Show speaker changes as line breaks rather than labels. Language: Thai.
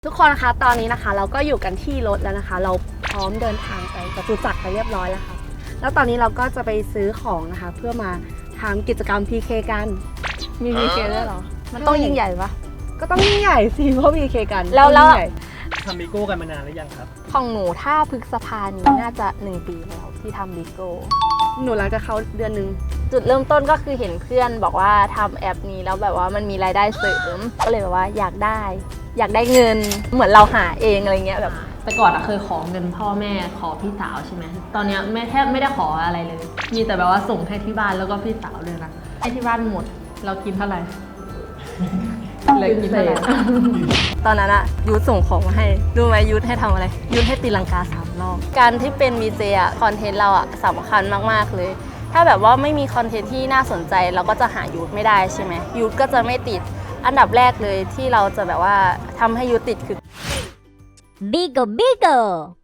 ทุกคนนะคะตอนนี้นะคะเราก็อยู่กันที่รถแล้วนะคะเราพร้อมเดินทางไปจตุจักรไปเรียบร้อยแล้วค่ะแล้วตอนนี้เราก็จะไปซื้อของนะคะเพื่อมาทำกิจกรรม PK กันมี PK ด้วยเหรอมันต้องยิ่งใหญ่ปะก็ต้องยิ่งใหญ่สิเพราะ PK กันแล้ว
ทำบิโก้กันมานานหรือยังครับ
ของหนูถ้าพฤษภานี้น่าจะ1 ปีแล้วที่ทำบิโก้
หนูหลังจากเขาเดือนนึง
จุดเริ่มต้นก็คือเห็นเพื่อนบอกว่าทำแอปนี้แล้วแบบว่ามันมีรายได้เสริมก็เลยแบบว่าอยากได้เงินเหมือนเราหาเองอะไรเงี้ยแบบ
แต่ก่อนเคยขอเงินพ่อแม่ขอพี่สาวใช่ไหมตอนนี้แทบไม่ได้ขออะไรเลย มีแต่แบบว่าส่งให้ที่บ้านแล้วก็พี่สาวเลยนะให้ที่บ้านหมดเรากินเท่าไหร่เลยกินเท่าไหร่
ตอนนั้นอะยูทส่งของมาให้ดูไหมยูทให้ทำอะไรยูทให้ตีลังกา3 รอบการที่เป็น VJ อะคอนเทนต์เราอะสำคัญมากๆเลยถ้าแบบว่าไม่มีคอนเทนต์ที่น่าสนใจเราก็จะหายูทไม่ได้ใช่ไหมยูทก็จะไม่ติดอันดับแรกเลยที่เราจะแบบว่าทำให้ยูทติดคือ
Bigo Bigo